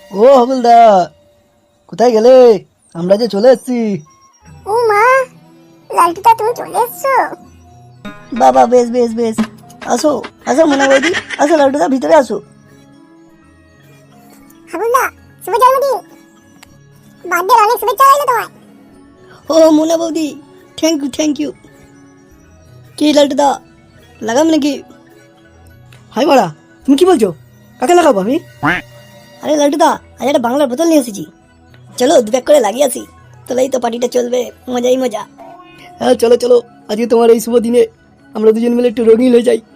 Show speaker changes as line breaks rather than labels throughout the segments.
ও হাবুলদা, কোথায় গেলে? আমরা যে চলে এসেছি।
ও মা, লালটুদা তুমি চলে এসছো?
বাবা বেশ বেশ বেশ, আসো আসো মোনা বৌদি, আসো লালটুদা ভিতরে আসো।
হাবুলদা, শুভ জন্মদিন। বার্থডে অনেক শুভেচ্ছা রইলো তোমায়।
ও মোনা বৌদি, থ্যাংক ইউ। কি লালটুদা, লাগাম নাকি? হাই মারা, তুমি কি বলছো? কাকে লাগাবো আমি? আরে লালটুদা, আজ একটা বাংলার বোতল নিয়ে এসেছি, চলো দু প্যাক করে লাগিয়ে আসি, তাহলেই তো পার্টিটা চলবে, মজাই মজা। হ্যাঁ চলো চলো, আজকে তোমার এই শুভ দিনে আমরা দুজন মিলে একটু রঙিন হয়ে যাই।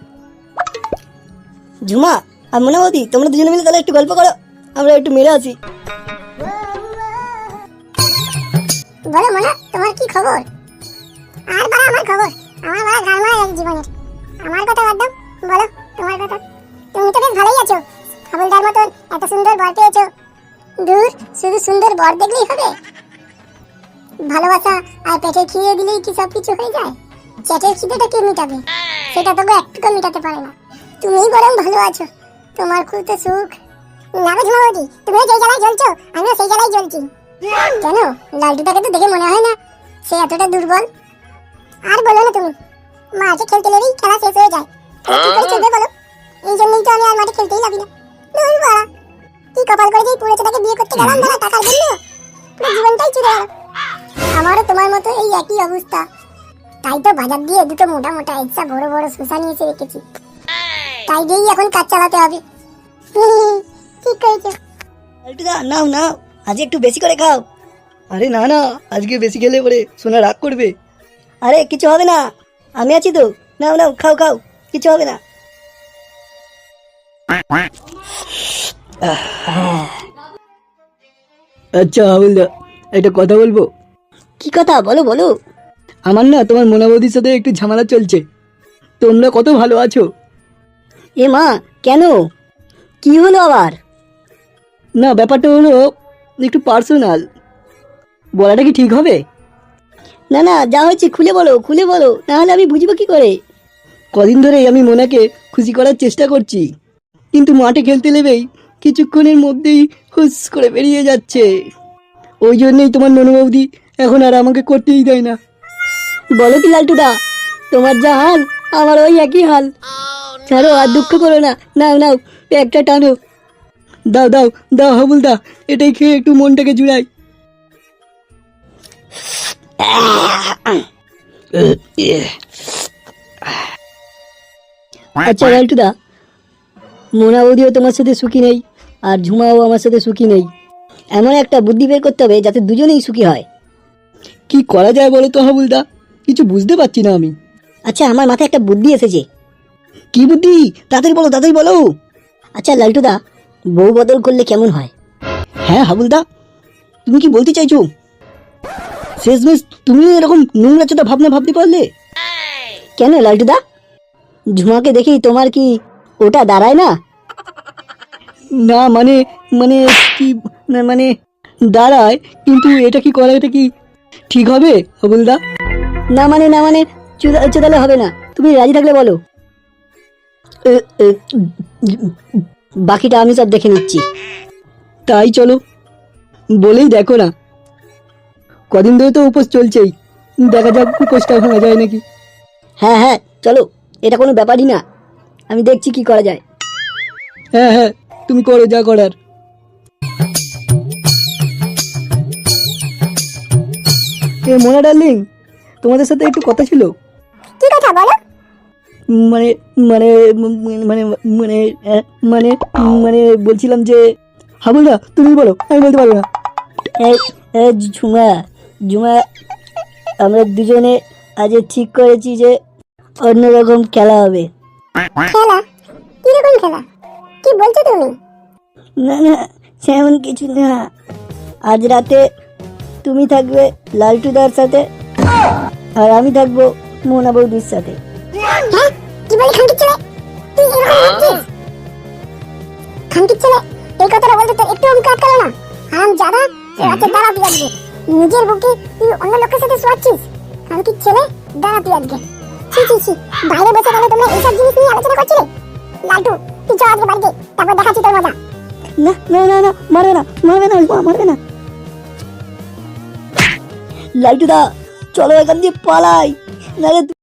ঝুমা আর মোনা বৌদি, তোমরা দুজনে মিলে তাহলে একটু গল্প করো, আমরা একটু মেরে আসি।
বলো মোনা, তোমার কি খবর? আর বাড়া আমার খবর, আমার বাড়া গালমারা এক জীবনের। আমার কথা বাদ দাও, বলো তোমার কথা। তুমি তো বেশ ভালোই আছো, হাবুলদার মতন এত সুন্দর বর পেয়েছো। দূর, শুধু সুন্দর বর দেখলেই হবে? ভালোবাসা আর পেটের খিদে দিলেই কি সব কিছু হয়ে যায়? পেটের খিদেটা কে মিটাবে? সেটা তবু একটুকু মিটাতে পারে না। তুমিই বরং ভালো আছো, তোমার খুলতে সুখ। না গো ঝুমাবতী, তুমিও যেই জ্বালায় জ্বলছো, আমিও সেই জ্বালায় জ্বলছি। কেন, লালটুটাকে তো দেখে মনে হয় না সে এতটা দুর্বল। আর বলো না তুমি, মাঠে খেলতে গেলেই খেলা শেষ হয়ে যায়। কি করে চলবে বলো? এই জন্যই তো আমি আর মাঠে খেলতেই লাগি না। দূর বাড়া, কি কপাল করে যে পুরো ছেলেটাকে বিয়ে করতে গেলাম দাঁড়া টাকার জন্য, পুরো জীবনটাই চুরে গেল। আমারও তোমার মতো এই একই অবস্থা, তাই তো বাজার দিয়ে দুটো মোটা মোটা ইচ্ছা বড় বড় শসা নিয়ে এসে রেখেছি, তাই দিয়েই এখন কাজ চালাতে হবে। ঠিক করেছো।
লালটুদা নাও নাও, আজ একটু বেশি করে খাও। আরে না না, আজকে বেশি খেলে পরে সোনা রাগ করবে। আরে কিছু হবে না, আমি আছি তো, নাও নাও খাও খাও, কিছু হবে না। আচ্ছা হাবুলদা, একটা কথা বলবো। কি কথা, বলো বলো। আমার না তোমার মোনা বৌদির সাথে একটু ঝামেলা চলছে, তোমরা কত ভালো আছো। এ মা, কেন, কি হলো আবার? না ব্যাপারটা হলো একটু পার্সোনাল, বলাটা কি ঠিক হবে? না না, যা হয়েছে খুলে বলো খুলে বলো, নাহলে আমি বুঝবো কি করে। কদিন ধরেই আমি মোনাকে খুশি করার চেষ্টা করছি, কিন্তু মাঠে খেলতে নেবেই কিছুক্ষণের মধ্যেই হুস করে বেরিয়ে যাচ্ছে। ওই জন্যই তোমার ননু বৌদি এখন আর আমাকে করতেই দেয় না। বলো কি লালটুদা, তোমার যা হাল আমার ওই একই হাল। ছাড়ো আর দুঃখ করো না, নাও নাও একটা টানো। দাও দাও দাও হাবুলদা, এটাই খেয়ে একটু মনটাকে জুড়াই। আচ্ছা লালটুদা, মোনা বৌদিও তোমার সাথে সুখী নেই, আর ঝুমাও আমার সাথে সুখী নেই। এমন একটা বুদ্ধি বের করতে হবে যাতে দুজনেই সুখী হয়। কি করা যায় বলো তো হাবুলদা, কিছু বুঝতে পারছি না আমি। আচ্ছা আমার মাথায় একটা বুদ্ধি এসেছে। কি বুদ্ধি, তাড়াতাড়ি বলো। আচ্ছা লালটুদা, বউ বদল করলে কেমন হয়? হ্যাঁ হাবুলদা, তুমি কি বলতে চাইছো? শেষমেশ তুমি এরকম নোংরা চোদা ভাবনা ভাবতে পারলে? কেন লালটুদা, ঝুমাকে দেখি তোমার কি ওটা দাঁড়ায় না? না মানে মানে কি, না মানে দাঁড়ায়, কিন্তু এটা কি করা, এটা কি ঠিক হবে হাবুলদা? না মানে চোদালে হবে না, তুমি রাজি থাকলে বলো। এ, এ, বাকিটা আমি সব দেখে নিচ্ছি। তাই চলো, বলেই দেখো না, কদিন ধরে তো উপোস চলছেই, দেখা যাক উপোসটা ভাঙা যায় নাকি। হ্যাঁ হ্যাঁ চলো, এটা কোনো ব্যাপারই না, আমি দেখছি কি করা যায়। হ্যাঁ হ্যাঁ, তুমি করো যা করার। এ মোনা ডার্লিং, তোমাদের সাথে একটু কথা ছিল।
কি কথা বলো?
মানে মানে মানে মানে মানে মানে বলছিলাম যে, হাবুলদা তুমি বলো, আমি বলতে পারবো না। ঝুমা ঝুমা, আমরা দুজনে আজ ঠিক করেছি যে অন্যরকম খেলা হবে।
খেলা? কিরকম খেলা, কি বলছো তুমি?
না না, সেমন কিছু না, আজ রাতে তুমি থাকবে লালটুদার সাথে, আর আমি থাকবো মোনা বৌদির সাথে।
হ্যাঁ, কি বলি খানকির ছেলে, তুই এরকম করছিস? খানকির ছেলে, এই কথাটা বলতে তোর একটু অঙ্ক আটকালো না? হারাম জাদা, রাতে দাঁড়া তুই আজকে, নিজের বুকে তুই অন্য লোকের সাথে শোয়াচ্ছিস। খানকির ছেলে, দাঁড়া তুই আজকে। ছি ছি ছি, বাইরে বসে গেলে তোমরা এইসব জিনিস নিয়ে আলোচনা করছিলে? লালটু, তুই চল আজকে বাড়িতে, তারপর দেখাচ্ছি তোর মজা।
না না না না, মারবে না, মারবে না, ওই মা মারবে না। লাইটুদা চলো এখান দিয়ে পালাই, নাহলে